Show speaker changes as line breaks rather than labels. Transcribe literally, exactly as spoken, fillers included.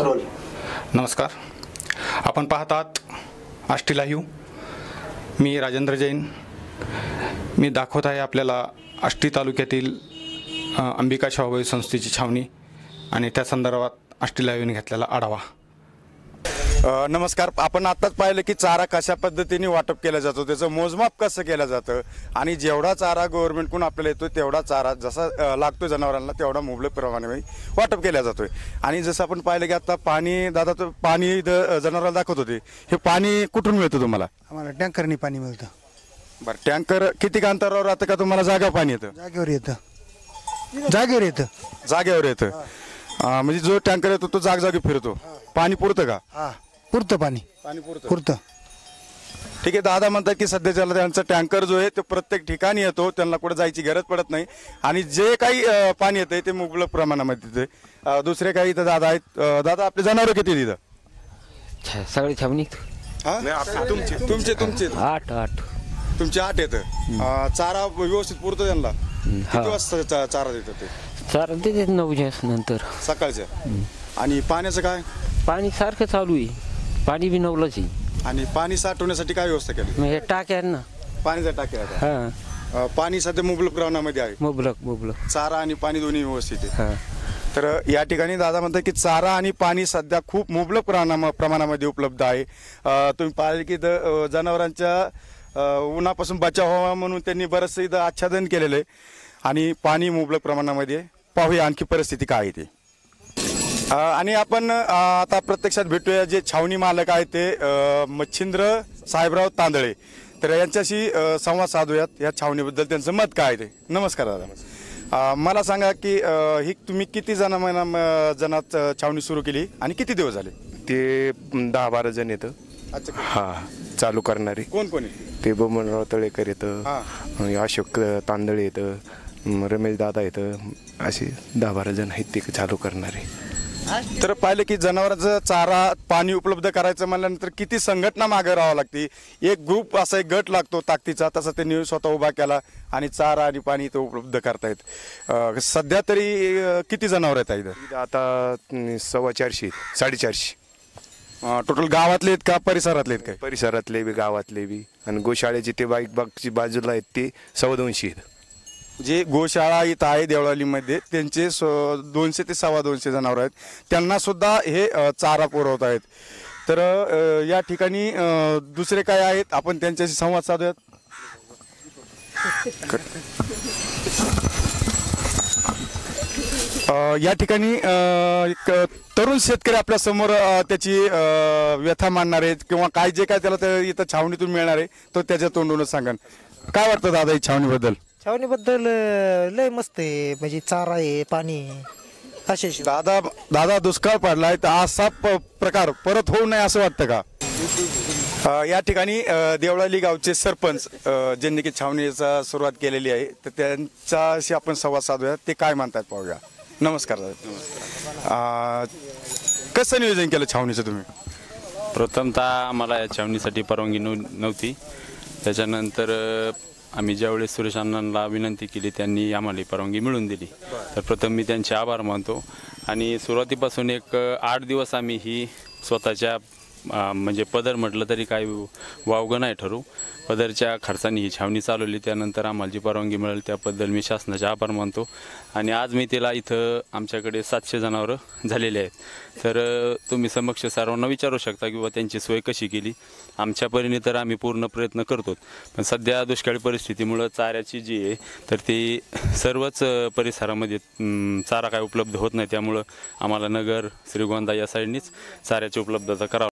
Role.
नमस्कार. आपण पाहतात आष्टी लाईव्ह. मी राजेंद्र जैन. मी दाखवत आहे आपल्याला आष्टी तालुक्यातील अंबिका शाहूबाई संस्थेची छावणी आणि त्या संदर्भात आष्टी लाईव्हने घेतलेला आढावा.
नमस्कार. आपण आत्ताच पाहिलं की चारा कशा पद्धतीने वाटप केला जातो, त्याचं मोजमाप कसं केलं जातं आणि जेवढा चारा गव्हर्नमेंटकडून आपल्याला येतो तेवढा चारा जसा लागतो जनावरांना तेवढा मुबलक प्रमाणे वाटप केला जातोय. आणि जसं आपण पाहिलं की आता पाणी दादा तर पाणी जनावरांना दाखवत होते, हे पाणी कुठून मिळतं तुम्हाला?
आम्हाला टँकरनी पाणी मिळतं.
बरं, टँकर किती अंतरावर राहतं का तुम्हाला जागा पाणी येतं?
जागेवर येतं. जागेवर येतं
जागेवर येतं. म्हणजे जो टँकर येतो तो जागजागी फिरतो. पाणी पुरतं का?
हा, पुरतं पाणी.
पाणी पुरतं
पुरतं.
ठीक आहे. दादा म्हणतात की सध्याच्याला त्यांचा टँकर जो आहे तो प्रत्येक ठिकाणी येतो, त्यांना कुठे जायची गरज पडत नाही आणि जे काही पाणी येतं ते मुबलक प्रमाणामध्ये येते. दुसरे काही इथं दादा आहेत. दादा, आपले जनावर किती तिथं?
सगळे छावणी
तुमचे तुमचे तुमचे
आठ आठ
तुमचे आठ येतं. चारा व्यवस्थित पुरतो त्यांना? किती वाजता चारा देतात ते?
चारा देतात नऊच्या नंतर
सकाळच्या. आणि पाण्याचं काय?
पाणी सारखं चालू आहे. पाणी बी नवलंच आहे.
आणि पाणी साठवण्यासाठी काय व्यवस्था केली?
मग हे टाक्या आहेत ना,
पाणीचा टाक्या आहे.
हा,
पाणी सध्या मुबलक प्रमाणामध्ये आहे.
मुबलक मुबलक
चारा आणि पाणी दोन्ही व्यवस्थित आहे.
हा.
तर या ठिकाणी दादा म्हणतात की चारा आणि पाणी सध्या खूप मुबलक प्रमाणा प्रमाणामध्ये उपलब्ध आहे. तुम्ही पाहिले की इथं जनावरांच्या उन्हापासून बचाव व्हावा म्हणून त्यांनी बरंचसं इथं आच्छादन केलेलं आहे आणि पाणी मुबलक प्रमाणामध्ये. पाहूया आणखी परिस्थिती काय आहे ती. आणि आपण आता प्रत्यक्षात भेटूया जे छावणी मालक आहेत ते मच्छिंद्र साहेबराव तांदळे. तर यांच्याशी संवाद साधूयात या छावणीबद्दल त्यांचं मत काय आहे ते. नमस्कार दादा. मला सांगा की ही तुम्ही किती जण जणात छावणी सुरू केली आणि किती दिवस झाले?
ते दहा बारा जण येतं.
अच्छा.
हा, चालू करणारे
कोण कोण आहे?
ते बबनराव तळेकर येतं, अशोक तांदळे येतं, रमेश दादा येतं, असे दहा बारा जण आहेत ते चालू करणारे.
तर पाहिलं की जनावरांचा चारा पाणी उपलब्ध करायचं म्हणल्यानंतर किती संघटना मागे राहावं लागते. एक ग्रुप असा एक गट लागतो ताकदीचा, तसा त्यांनी स्वतः उभा केला आणि चारा आणि पाणी इथं उपलब्ध करतायत. सध्या तरी किती जनावर आहेत इथं?
आता सव्वा चारशे साडेचारशे
टोटल. गावातले आहेत का परिसरातले आहेत? काय
परिसरातले बी गावातले बी आणि गोशाळेचे ते बाईक बागची बाजूला आहेत ते सव्वा दोनशे आहेत.
जे गोशाळा इथं आहे देवळालीमध्ये त्यांचे दोनशे ते सव्वा दोनशे जनावर आहेत, त्यांना सुद्धा हे चारा पुरवत आहेत. तर या ठिकाणी दुसरे काय आहेत आपण त्यांच्याशी संवाद साधूयात. या ठिकाणी एक तरुण शेतकरी आपल्या समोर त्याची व्यथा मांडणार आहेत किंवा काय जे काय त्याला इथं छावणीतून मिळणार आहे तो त्याच्या तोंडूनच सांगन. काय वाटतं दादा ही छावणीबद्दल?
छावणीबद्दल लय मस्त आहे. म्हणजे चारा आहे, पाणी असे.
दादा दादा दुष्काळ पडलाय तर असा प्रकार परत होऊ नये असं वाटतं का? या ठिकाणी देवळाली गावचे सरपंच ज्यांनी की छावणीचा सुरुवात केलेली आहे तर त्यांच्याशी आपण संवाद साधूया. ते काय म्हणतात पाहूया. नमस्कार दादा. कसं नियोजन केलं छावणीचं तुम्ही?
प्रथमतः आम्हाला या छावणीसाठी परवानगी नव्हती. त्याच्यानंतर आम्ही ज्यावेळेस सुरेश अण्णांना विनंती केली त्यांनी आम्हाला परवानगी मिळवून दिली. तर प्रथम मी त्यांचे आभार मानतो. आणि सुरुवातीपासून एक आठ दिवस आम्ही ही स्वतःच्या म्हणजे पदर म्हटलं तरी काही वावगं नाही ठरू, पदरच्या खर्चाने ही छावणी चालवली. त्यानंतर आम्हाला जी परवानगी मिळाली त्याबद्दल मी शासनाचे आभार मानतो. आणि आज मी तिला इथं आमच्याकडे सातशे जनावरं झालेले आहेत. तर तुम्ही समक्ष सर्वांना विचारू शकता किंवा त्यांची सोय कशी केली. आमच्या परीने तर आम्ही पूर्ण प्रयत्न करतो, पण सध्या दुष्काळी परिस्थितीमुळं चाऱ्याची जी आहे तर ती सर्वच परिसरामध्ये चारा काय उपलब्ध होत नाही. त्यामुळं आम्हाला नगर श्रीगोंदा या साईडनीच चाऱ्याची उपलब्धता करावं.